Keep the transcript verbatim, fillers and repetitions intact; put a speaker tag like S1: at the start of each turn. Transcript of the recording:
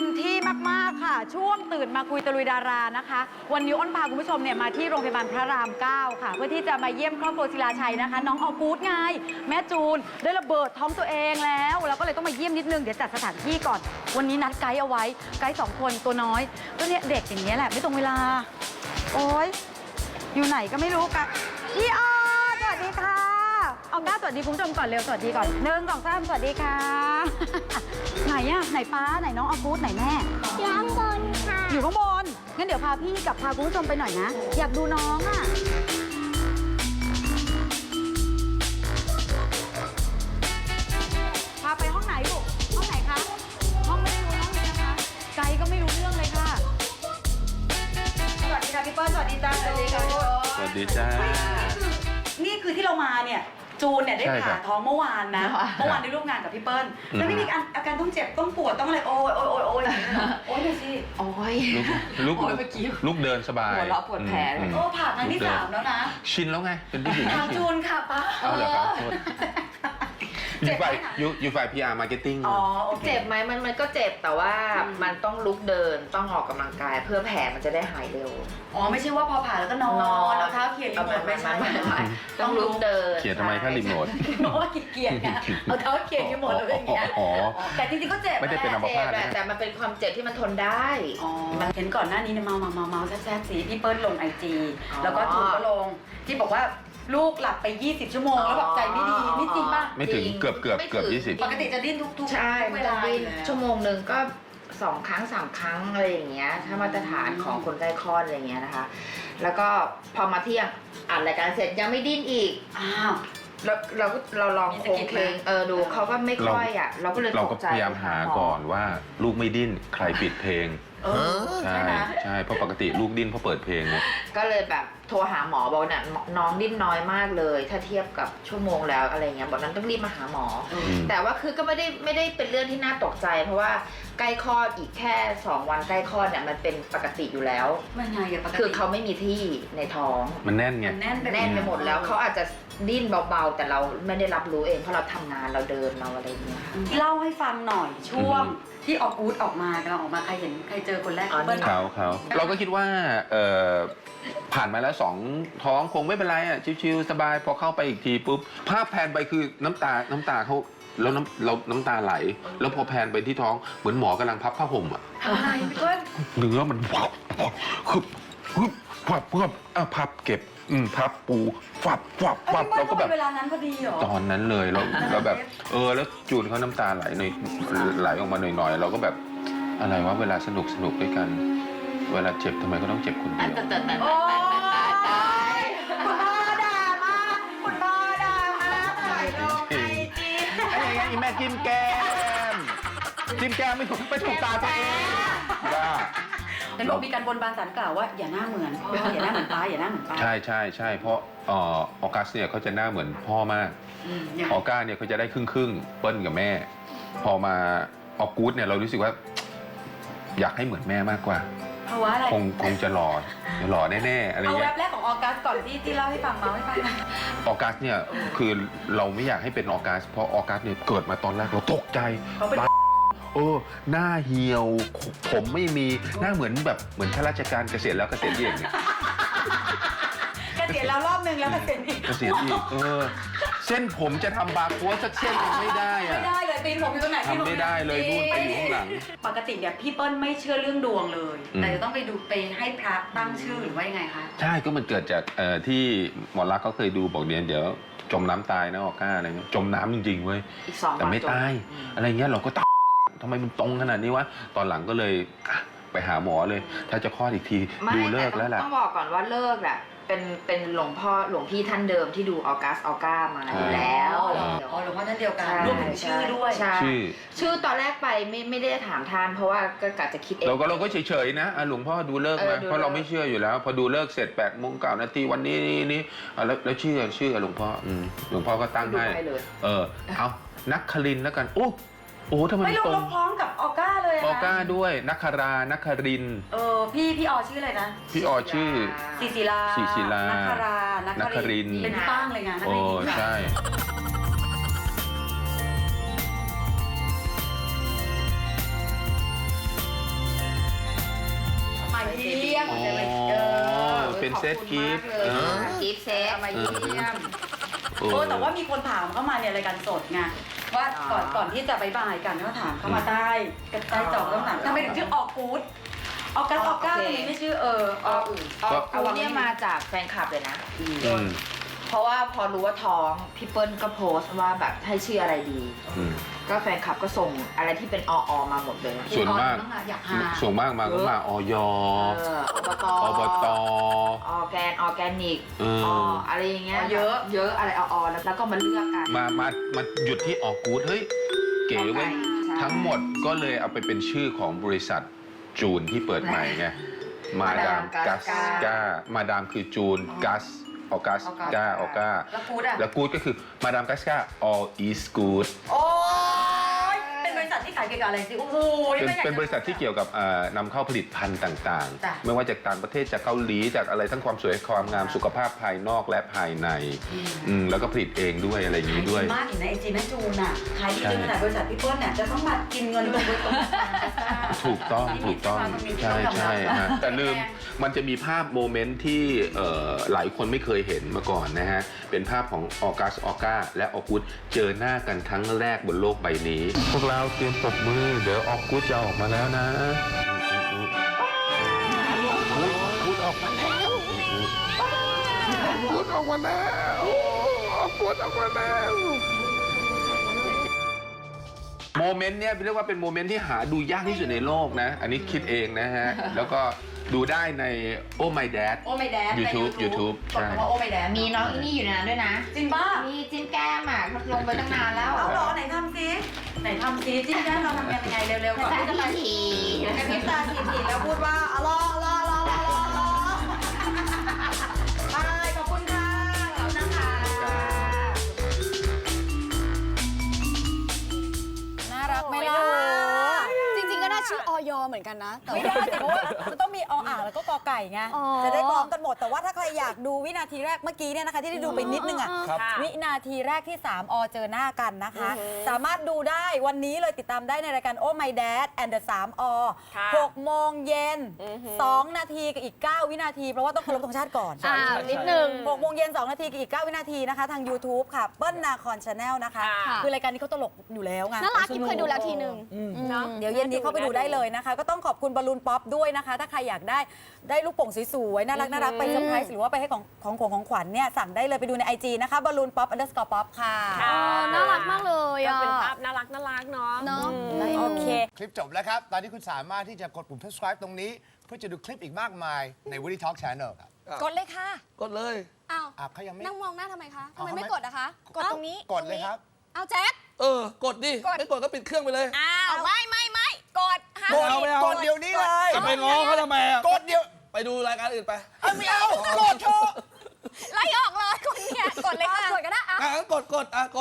S1: มที่มากๆค่ะช่วงตื่นมาคุยตะลุยดารานะคะวันนี้อ้นพาคุณผู้ชมเนี่ยมาที่โรงพยาบาลพระรามเก้าค่ะเพื่อที่จะมาเยี่ยมครอบครัวศิลาชัยนะคะน้องออกูดไงแม่จูนได้ระเบิดท้องตัวเองแล้วเราก็เลยต้องมาเยี่ยมนิดนึงเดี๋ยวจัดสถานที่ก่อนวันนี้นัดไกด์เอาไว้ไกด์สองคนตัวน้อยก็เนี่ยเด็กอย่างนี้แหละไม่ตรงเวลาโอ๊ยอยู่ไหนก็ไม่รู้กันพี่ออสวัสดีค่ะเอาหน้าสวัสดีคุณผู้ชมก่อนเร็วสวัสดีก่อนหนึ่งสองสามสวัสดีค่ะ ไหนอะไหนป้าไหนน้องออกูดไหนแม่
S2: อยู่ข้างบนค่ะ
S1: อยู่ข้างบนงั้นเดี๋ยวพาพี่กับพาคุณผู้ชมไปหน่อยนะอยากดูน้องอะพาไปห้องไหนลูกห้องไหนคะห้องไม่ได้รู้ห้องนี้นะคะไกด์ก็ไม่รู้เรื่องเลยค่ะสวัสดีค่ะพี่เปิ้ลสวัสดีจ้าสวัสดีค่ะ
S3: สวัสดีจ้า
S1: นี่คือที่เรามาเนี่ยจูนเนี่ยได้ผ่าท้องเมื่อวานนะเมื่อวานได้ร่วมงานกับพี่เปิ้ลแล้วไม่มีอาการต้องเจ็บต้องปวดต้องอะไรโอ้ยโอ้ยโอ้ยโอ้ยโอ้ยดูสิ
S4: โอ้ย
S3: ลูกลูกเดินสบาย
S4: หัวเราะปวดแผลเลย
S1: โอ้ผ่าครั้งที่สามแล้วนะ
S3: ชินแล้วไงเป็นผู้หญิง
S1: ถามจูนค่ะป้า
S3: เอาเหรอครับอยู่ฝ่ายอยู่อยู่ฝ่าย พี อาร์ Marketing
S1: อ๋อ
S4: เจ็บไหมมันมันก็เจ็บแต่ว่ามันต้องลุกเดินต้องออกกำลังกายเพื่อแผลมันจะได้หายเร็ว
S1: อ๋อไม่ใช่ว่าพอผ่าแล้วก็นอนเอาเท้าเขี่ยรีโมทไม่ใช่
S4: ต้องลุกเดิน
S3: เขี่ยทำไมถ้ารีโมท
S1: เพราะว่าขี้เกียจไงเอาเท้าเขี่ยรีโมทอะไรอย่างเงี้ยแต่จริงๆก็เจ็บ
S3: ไม่ได้เป็นอัมพาต
S4: แต่มันเป็นความเจ็บที่มันทนได้
S1: อ๋อเห็นก่อนหน้านี้เนี่ยเมาเมาเมาเมาแซ่บๆสีพี่เปิ้ลลงไอจีแล้วก็จูนก็ลงที่บอกว่าลูกหลับไปยี่สิบชั่วโมงแล้วแบบใจไม่ดีนี่จริงป่ะ
S3: ไม่ถึงเกือบเกือบเกือบยี่สิบ
S1: ปกติจะดิ้นทุกๆ
S4: ใช่
S1: เวลา
S4: ชั่วโมงหนึ่งก็สองครั้งสามครั้งอะไรอย่างเงี้ยถ้ามาตรฐานของคนใกล้คลอดอะไรเงี้ยนะคะแล้วก็พอมาเที่ยงอ่านรายการเสร็จยังไม่ดิ้นอีก
S1: อ้าว
S4: เราเราเราลองโครงเพลงเออดูเขาก็ไม่ค่อยอ่ะเราก็เลย
S3: เราก็พยายามหาก่อนว่าลูกไม่ดิ้นใครปิดเพลงใช่ใช่เพราะปกติลูกดิ้นเพราะเปิดเพลงเนี่ย
S4: ก็เลยแบบโทรหาหมอบอกเนี่ยน้องดิ้นน้อยมากเลยถ้าเทียบกับชั่วโมงแล้วอะไรเงี้ยบอกนั้นต้องรีบมาหาหมอแต่ว่าคือก็ไม่ได้ไม่ได้เป็นเรื่องที่น่าตกใจเพราะว่าใกล้คลอดอีกแค่สองวันใกล้คลอดเนี่ยมันเป็นปกติอยู่แล้ว
S1: มันไงอะปกติ
S4: คือเขาไม่มีที่ในท้อง
S3: มันแน่นไง
S1: แน่นไป
S4: แน่นไปหมดแล้วเขาอาจจะดิ้นเบาๆแต่เราไม่ได้รับรู้เองเพราะเราทำงานเราเดินเราอะไรเงี้ย
S1: เล่าให้ฟังหน่อยช่วงที่ออกกู๊ดออกมากำลังออกมาใครเห็นใครเจอคนแรก
S3: เขาเขาเราก็คิดว่าเอ่อผ่านมาแล้วสองท้องคงไม่เป็นไรอ่ะชิวๆสบายพอเข้าไปอีกทีปุ๊บภาพแพนไปคือน้ำตาน้ำตาเขาแล้วน้ำเราน้ำตาไหลแล้วพอแพนไปที่ท้องเหมือนหมอกำลังพับผ้าห่มอ่ะ
S1: อะไรพี่เปิ้ล
S3: เนื้อมันวับคือคือวับวับอ่ะพับเก็บอืมพับปูฟับฟับฟับเราก็แบบ
S1: เวลานั้นพอดีเหรอ
S3: ตอนนั้นเลยเราเราแบบเออแล้วจูนเขาน้ำตาไหลหน่อยไหลออกมาหน่อยๆเราก็แบบอะไรวะเวลาสนุกสนุกด้วยกันเวลาเจ็บทำไมก็ต้องเจ็บคนเดียว
S1: โอ้ยคุณพ่อด่ามาคุณพ่อด่ามาถ่ายลงไอจี
S3: ไอ้ยังอีแม่จิ้มแก้มจิ้มแก้มไม่ถูกไม่ถูกตาตัวเองบ้า
S1: เห็นบอกมีการบนบานศาลกล่าวว่าอย่าหน้าเหมือนพ่ออย่าหน้าเหมือนป้าอย่าหน้าเหมือนป้า
S3: ใช่ใช่ใช่เพราะออกัสเนี่ยเขาจะหน้าเหมือนพ่อมากออก้าเนี่ยเขาจะได้ครึ่งครึ่งเปิ้ลกับแม่พอมาออกู๊ดเนี่ยเรารู้สึกว่าอยากให้เหมือนแม่มากกว่า
S1: เพราะว่าอะไร
S3: คงคงจะหล่อหล่อแน่ๆอะไรเงี้ย
S1: เอาแวบแรกของออกัสก่อนที่ที่เล่าให้ฟังเมาให้ฟัง
S3: ออกัสเนี่ยคือเราไม่อยากให้เป็นออกัสเพราะออกัสเนี่ยเกิดมาตอนแรกเราตกใจโอ้หน้าเหี่ยวผมไม่มีหน้าเหมือนแบบเหมือนข้าราชการเกษียณแล้วเกษียณอีกเนี่ย
S1: เกษียณแล้วรอบนึงแล้วเกษียณอีก
S3: เกษียณอีกเออเส้นผมจะทำบาร์โค้ดสักเส้นยังไม่ได้อะ
S1: ไม่ได้เลยตีนผมอยู่ตรงไหน
S3: ทำไม่ได้เลยนู่นไปอยู่ข้างหลัง
S1: ปกติเนี่ยพี่เปิ้ลไม่เชื่อเรื่องดวงเลยแต่จะต้องไปดูไปให้พระตั้งชื่อหรือว่ายังไงคะ
S3: ใช่ก็มันเกิดจากที่หมอรักเขาเคยดูบอกเดี๋ยวเดี๋ยวจมน้ำตายนะออก้าอะไรเงี้ยจมน้ำจริงๆเว้ยแต่ไม่ตายอะไรเงี้ยเราก็ตายทำไมมันตรงขนาดนี้วะตอนหลังก็เลยไปหาหมอเลยถ้าจะคลอดอีกทีดูเลิกแล้วแหละ
S4: ต้องบอกก่อนว่าเลิกแหละเป็นเป็นหลวงพ่อหลวงพี่ท่านเดิมที่ดูออกัสออก้ามาอยู่แล้ว
S1: อ๋อหลวงพ่อท่านเดียวกันรวมถึงชื่อด้วย
S3: ชื่อ
S4: ชื่อตอนแรกไปไม่ไม่ได้ถามท่านเพราะว่าก็กะจะคิดเอง
S3: เราก็เราก็เฉยๆนะหลวงพ่อดูเลิกมาเพราะเราไม่เชื่ออยู่แล้วพอดูเลิกเสร็จแปดโมงเก้านาทีวันนี้นี่นี่แล้วแล้วชื่อชื่อหลวงพ่อหลวงพ่อก็ตั้งให้เออเอานักครินแล้วกันโอ้โอ้ทำไม
S1: ไม่ลงพร้อมกับออก้าเลย
S3: ออก้าด้วยนักคารานักคริน
S1: เออพี่พี่ออชื่ออะไรนะ
S3: พี่ออชื่อ
S1: ศิศิลา
S3: ศิศิลา
S1: นักคารานักครินเป็นตั้งเลยไง
S3: โอ้ใช่
S1: กหัวใจไว้
S3: อ๋อ
S1: เออ
S3: เป็นเซตกิฟต์
S4: ขอบคุณมากเลยกิฟต์เซตมาเยี่ยม
S1: โอ้แต่ว่ามีคนถามเข้ามาในรายการสดไงว่าก่อนก่อนที่จะบายบายกันก็ถามเข้ามาใต้ใต้จอต้องถามทำไมถึงชื่อออกกู๊ดออกัสออก้าทำไมไม่ชื่อเออออื่น
S4: ออกกูเนี่ยมาจากแฟนคลับเลยนะ
S3: อืม
S4: เพราะว่าพอรู้ว่าท้องพี่เปิ้ลก็โพสต์ว่าแบบให้ชื่ออะไรดี
S3: อืม
S4: ก็แฟนคลับก็ส่งอะไรที่เป็นอออมาหมดเลย
S3: ส่วนมาก
S1: อยากหา
S3: ส่วนมากมาก็มาออย
S4: เอออบต
S3: อบต
S4: ออแกนออแกนิก
S3: เออ
S4: ออะไรอย่างเงี้ย
S1: อ๋อเยอะ
S4: เยอะอะไรออแล้วแล้วก็มาเลือกกัน
S3: มามามาหยุดที่ออกกู๊ดเฮ้ย เก๋เว้ย
S4: ใช่
S3: ทั้งหมดก็เลยเอาไปเป็นชื่อของบริษัทจูนที่เปิดใหม่ไง มาดามกัสกามาดามคือจูนกัสออกัสกาออก้า
S1: แล้วกู๊ดอะ
S3: แล้วกู๊ดก็คือมาดามกัสกา all is good
S1: โอ้ยเป็นบริษัทที่ขายเกี่ยวกับอะไรสิโอ้โห
S3: เป็น
S1: ไม่อยากจะ
S3: เป็นบริษัทที่เกี่ยวกับเอ่อนำเข้าผลิตภัณฑ์ต่าง
S1: จ้ะ
S3: ๆ ไม่ว่าจากต่างประเทศจากเกาหลีจากอะไรทั้งความสวยความงามสุขภาพภายนอกและภายในอืมแล้วก็ผลิตเองด้วยอะไรอย่างนี้ด้วย
S1: มากเห็นในไอจีแม่จูนอ่ะขายดีจนขนาดบริษัทพี่เปิ้ลเนี่ยจะต้องมากินเงินลงไปตรงนั้น
S3: ถูกต้องถูกต้องใช่ใช่ฮะแต่ลืมมันจะมีภาพโมเมนต์ที่เอ่อหลายคนไม่เคยเห็นมาก่อนนะฮะ เป็นภาพของออกัสออก้าและออกุสเจอหน้ากันครั้งแรกบนโลกใบนี้ พวกเราเตรียมปรบมือเดี๋ยวออกุสจะออกมาแล้วนะออกุสออกมาแล้วออกุสออกมาแล้วออกุสออกมาแล้วโมเมนต์เนี้ยเรียกว่าเป็นโมเมนต์ที่หาดูยากที่สุดในโลกนะ อันนี้คิดเองนะฮะ แล้วก็ดูได้ใน Oh My Dad
S1: โอ้ไม่แดด
S3: YouTube YouTube
S1: กดคำว่าโอ้ไม่แดด
S4: มีน้องอีนี่อยู่ในนั้นด้วยนะ
S1: จริงป่ะ
S4: มีจิ้มแก้มอ่ะลงไปตั้งนานแล้ว
S1: เอาเหรอไหนทำซิไหนทำซิจิ้มแก้มเราทำกันยังไงเร็วๆก่อนที่จะไป
S4: ที
S1: กระพริบตาทีๆแล้วพูดว่าอ๋อรอรอรอรอรอรอไปขอบคุณค่ะขอบคุณนะคะน่ารักไหมล่ะ
S2: จริงๆก็น่าชื่อออยเหมือนกันนะแต่
S1: ไม่ได้สิเพราะว่ามันต้องมีออ่างแล้วก็กอไก่ไง
S2: อ๋อ
S1: จะได้พร้อมกันหมดแต่ว่าถ้าใครอยากดูวินาทีแรกเมื่อกี้เนี่ยนะคะที่ได้ดูไปนิดนึงอ่ะ
S2: ครับ
S1: วินาทีแรกที่สามอเจอหน้ากันนะคะ สามารถดูได้วันนี้เลยติดตามได้ในรายการ Oh My Dad and the สามอหกโมงเย็นสองนาทีกับอีกเก้าวินาทีเพราะว่าต้องเคารพธงชาติก่อน
S2: อ่านิดนึง
S1: หกโมงเย็นสองนาทีกับอีกเก้าวินาทีนะคะทาง YouTube ค่ะเปิ้ลนาคอนชาแนลนะคะ
S2: ค่ะ
S1: คือรายการนี้เขาตลกอยู่แล้วไง
S2: น่ารักกิ๊บเคยดูแล้วทีนึง
S1: อืม
S2: เนาะ
S1: เดี๋ยวเย็นนี้เข้าไปดูได้เลยนะคะ ก็ต้องขอบคุณบอลลูนป๊อปด้วยนะคะ ถ้าใครอยากได้ได้ลูกโป่งสวยๆน่ารักน่ารักไปเซอร์ไพรส์หรือว่าไปให้ของของของของขวัญเนี่ยสั่งได้เลยไปดูใน ไอ จี นะคะบอลลูนป๊อป underscore pop ค่ะ
S2: อ๋อน่ารักมากเลย
S5: ก็
S2: อ่ะ
S5: เป็นภาพน่ารักน่ารักเนาะ
S2: เนาะ
S1: โอเค
S6: คลิปจบแล้วครับ ตอนนี้คุณสามารถที่จะกดปุ่ม subscribe ตรงนี้ เพื่อจะดูคลิปอีกมากมายใน Woody Talk Channel ครับ
S2: กดเลยค่ะ
S7: กดเลย
S2: อ้าว
S6: อ่ะเขายังไม่
S2: นั่งมองหน้าทำไมคะทำไม
S6: เอาทำไม
S2: ไม่กดอะคะ กดตรงนี้
S6: กดเลยครับ
S2: เอาแจ๊ค
S7: เออ กดดิ
S2: กด
S7: ไม่กดก็ปิดเครื่องไปเลย
S2: อ้าว ไม่ไม่ไม่กดห้าม
S7: กดเอาไม่เอา
S6: กดเดี๋ยวนี้เลย
S7: จะไปง้อเขาทำไมอ่ะ
S6: กดเดี๋ยว
S7: ไปดูรายการอื่นไป
S6: เอาไม่เอา กดเถอะ
S2: ไล่ออกเลยคนเนี่ยกดเลยค่ะ กดก็ได้อะ
S7: อ่ะงั้นกดกดอ่ะกด